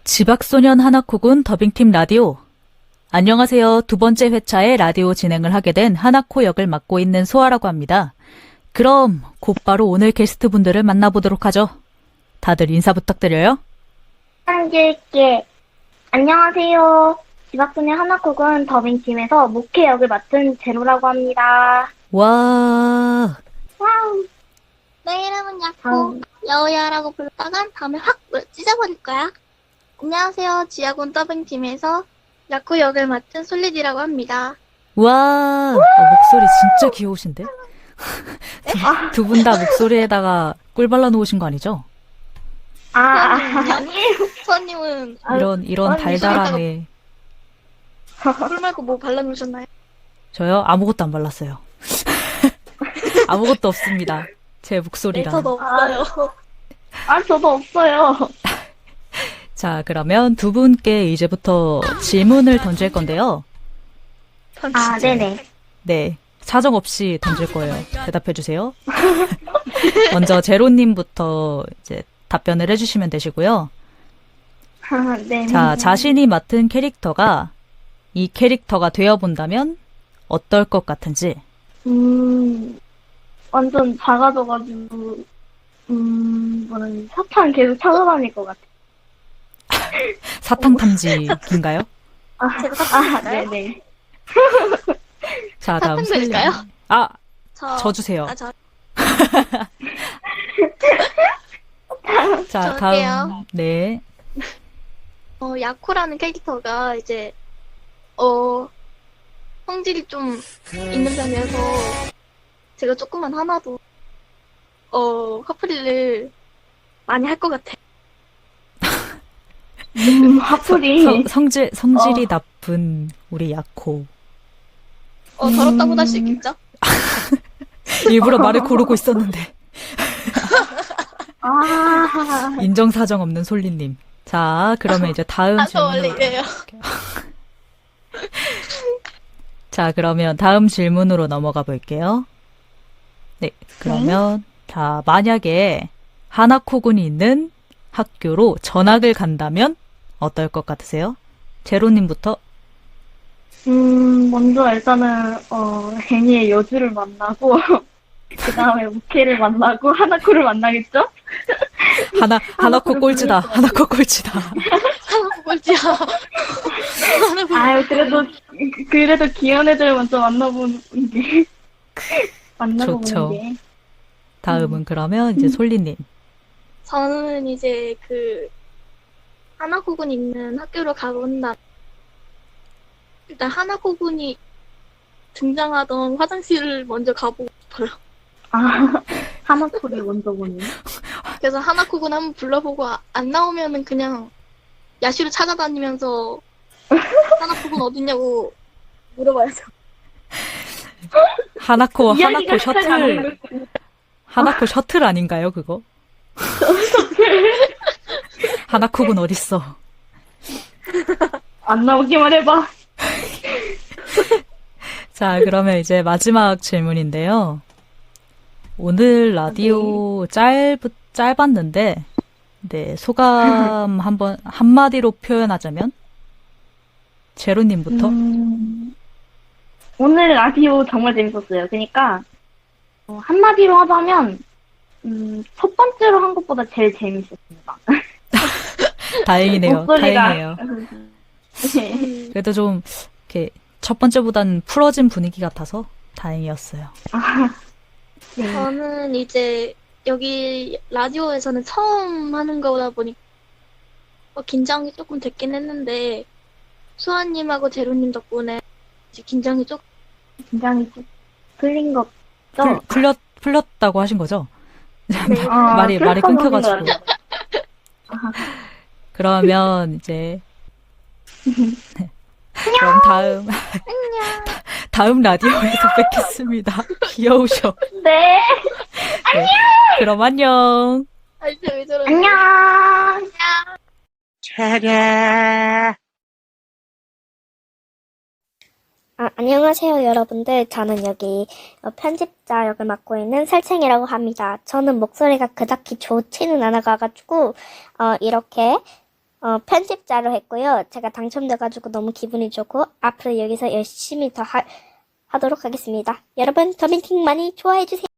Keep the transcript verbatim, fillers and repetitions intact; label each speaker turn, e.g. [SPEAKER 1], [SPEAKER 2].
[SPEAKER 1] 지박소년 하나코군 더빙팀 라디오. 안녕하세요. 두 번째 회차에 라디오 진행을 하게 된 하나코 역을 맡고 있는 소아라고 합니다. 그럼 곧바로 오늘 게스트분들을 만나보도록 하죠. 다들 인사 부탁드려요.
[SPEAKER 2] 한길게 안녕하세요. 지박소년 하나코군 더빙팀에서 목회 역을 맡은 제로라고 합니다.
[SPEAKER 1] 와,
[SPEAKER 2] 와우.
[SPEAKER 3] 내 이름은 야코.
[SPEAKER 2] 다음.
[SPEAKER 3] 여우야라고 부르다간 다음에 확 찢어버릴 거야. 안녕하세요. 지하군 더빙팀에서 야코 역을 맡은 솔리디라고 합니다.
[SPEAKER 1] 와, 어, 목소리 진짜 귀여우신데? 두 분 다 목소리에다가 꿀 발라놓으신 거 아니죠?
[SPEAKER 2] 아, 아,
[SPEAKER 3] 아니에요. 수아님은
[SPEAKER 1] 이런, 이런
[SPEAKER 2] 아니,
[SPEAKER 1] 달달함에.
[SPEAKER 3] 꿀 말고 뭐 발라놓으셨나요?
[SPEAKER 1] 저요? 아무것도 안 발랐어요. 아무것도 없습니다. 제
[SPEAKER 3] 네,
[SPEAKER 1] 목소리랑.
[SPEAKER 3] 저도 없어요.
[SPEAKER 2] 아, 저도 없어요.
[SPEAKER 1] 자, 그러면 두 분께 이제부터 질문을 던질 건데요.
[SPEAKER 2] 아, 네네.
[SPEAKER 1] 네, 사정 없이 던질 거예요. 대답해 주세요. 먼저 제로님부터 이제 답변을 해주시면 되시고요.
[SPEAKER 2] 아, 네.
[SPEAKER 1] 자, 자신이 맡은 캐릭터가 이 캐릭터가 되어본다면 어떨 것 같은지.
[SPEAKER 2] 음, 완전 작아져가지고, 음, 뭐는 사탕 계속 찾아다닐 것 같아.
[SPEAKER 1] 사탕 탐지인가요?
[SPEAKER 2] 아,
[SPEAKER 3] 제가
[SPEAKER 2] 아,
[SPEAKER 3] 사탕인가요?
[SPEAKER 2] 네네.
[SPEAKER 1] 자, 다음
[SPEAKER 3] 사탕
[SPEAKER 1] 솔리.
[SPEAKER 3] 드릴까요?
[SPEAKER 1] 아,
[SPEAKER 3] 저,
[SPEAKER 1] 저 주세요.
[SPEAKER 3] 아, 저,
[SPEAKER 1] 자,
[SPEAKER 3] 저
[SPEAKER 1] 다음.
[SPEAKER 3] 할게요.
[SPEAKER 1] 네.
[SPEAKER 3] 어, 야코라는 캐릭터가 이제, 어, 성질이 좀 있는 편이어서 제가 조금만 하나도, 어, 커플을 많이 할 것 같아요.
[SPEAKER 2] 음, 화풀이.
[SPEAKER 1] 성, 성질, 성질이
[SPEAKER 2] 어.
[SPEAKER 1] 나쁜 우리 야코.
[SPEAKER 3] 어, 더럽다고
[SPEAKER 2] 음.
[SPEAKER 3] 할 수 있겠죠?
[SPEAKER 1] 일부러 말을 고르고 있었는데.
[SPEAKER 2] 아,
[SPEAKER 1] 인정사정 없는 솔리님. 자, 그러면 이제 다음
[SPEAKER 3] 아, 저 원래
[SPEAKER 1] 질문으로.
[SPEAKER 3] 이래요.
[SPEAKER 1] 자, 그러면 다음 질문으로 넘어가 볼게요. 네, 그러면, 자, 만약에 하나코군이 있는 학교로 전학을 간다면 어떨 것 같으세요? 제로님부터.
[SPEAKER 2] 음, 먼저 일단은, 어, 애니의 여주를 만나고, 그 다음에 우케를 만나고, 하나코를 만나겠죠?
[SPEAKER 1] 하나, 하나코
[SPEAKER 2] 하나코를
[SPEAKER 1] 꼴찌다.
[SPEAKER 2] 부를 것
[SPEAKER 1] 하나코 꼴찌다.
[SPEAKER 3] 하나 꼴찌야.
[SPEAKER 2] 아유, 그래도, 그래도 귀여운 애들 먼저 만나보는 게, 만나보는
[SPEAKER 1] 좋죠.
[SPEAKER 2] 게.
[SPEAKER 1] 다음은 그러면 이제 솔리님.
[SPEAKER 3] 저는 이제 그 하나코군 있는 학교로 가본다. 일단 하나코군이 등장하던 화장실을 먼저 가보고 싶어요.
[SPEAKER 2] 아, 하나코를 먼저 보네.
[SPEAKER 3] 그래서 하나코군 한번 불러보고 아- 안 나오면은 그냥 야시로 찾아다니면서 하나코군 어딨냐고 물어봐야죠.
[SPEAKER 1] 하나코, 하나코
[SPEAKER 2] 이야기가
[SPEAKER 1] 셔틀,
[SPEAKER 2] 시작하는
[SPEAKER 1] 하나코 셔틀 아닌가요, 그거? 하나코군 어딨어?
[SPEAKER 2] 안 나오기만 해봐.
[SPEAKER 1] 자, 그러면 이제 마지막 질문인데요. 오늘 라디오 짧, 짧았는데, 네, 소감 한번, 한마디로 표현하자면? 제로님부터?
[SPEAKER 2] 음, 오늘 라디오 정말 재밌었어요. 그러니까, 어, 한마디로 하자면, 음, 첫 번째로 한 것보다 제일 재밌었습니다.
[SPEAKER 1] 다행이네요.
[SPEAKER 2] 목소리가.
[SPEAKER 1] 다행이에요.
[SPEAKER 2] 네.
[SPEAKER 3] 음,
[SPEAKER 1] 그래도 좀, 이렇게, 첫 번째보다는 풀어진 분위기 같아서 다행이었어요.
[SPEAKER 2] 아, 네.
[SPEAKER 3] 저는 이제 여기 라디오에서는 처음 하는 거다 보니까 어, 긴장이 조금 됐긴 했는데 수아님하고 제로님 덕분에 이제 긴장이 조금
[SPEAKER 2] 긴장이 좀 풀린 것
[SPEAKER 1] 풀,
[SPEAKER 2] 같죠?
[SPEAKER 1] 풀렸, 풀렸다고 하신 거죠?
[SPEAKER 3] 네.
[SPEAKER 2] 아,
[SPEAKER 1] 말이, 말이
[SPEAKER 2] 그렇다고
[SPEAKER 1] 끊겨가지고.
[SPEAKER 2] 하는 것 같아요.
[SPEAKER 1] 그러면 이제 그럼 다음 다음 라디오에서 뵙겠습니다. 귀여우셔.
[SPEAKER 2] 네,
[SPEAKER 1] 네. 그럼 안녕.
[SPEAKER 3] 아, 이제 왜 저러지?
[SPEAKER 2] 안녕.
[SPEAKER 4] 아, 안녕하세요, 여러분들. 저는 여기 어, 편집자 역을 맡고 있는 살쾡이라고 합니다. 저는 목소리가 그닥히 좋지는 않아가지고, 어, 이렇게, 어, 어, 편집자로 했고요. 제가 당첨돼가지고 너무 기분이 좋고 앞으로 여기서 열심히 더 하, 하도록 하겠습니다. 여러분 더빙팀 많이 좋아해주세요.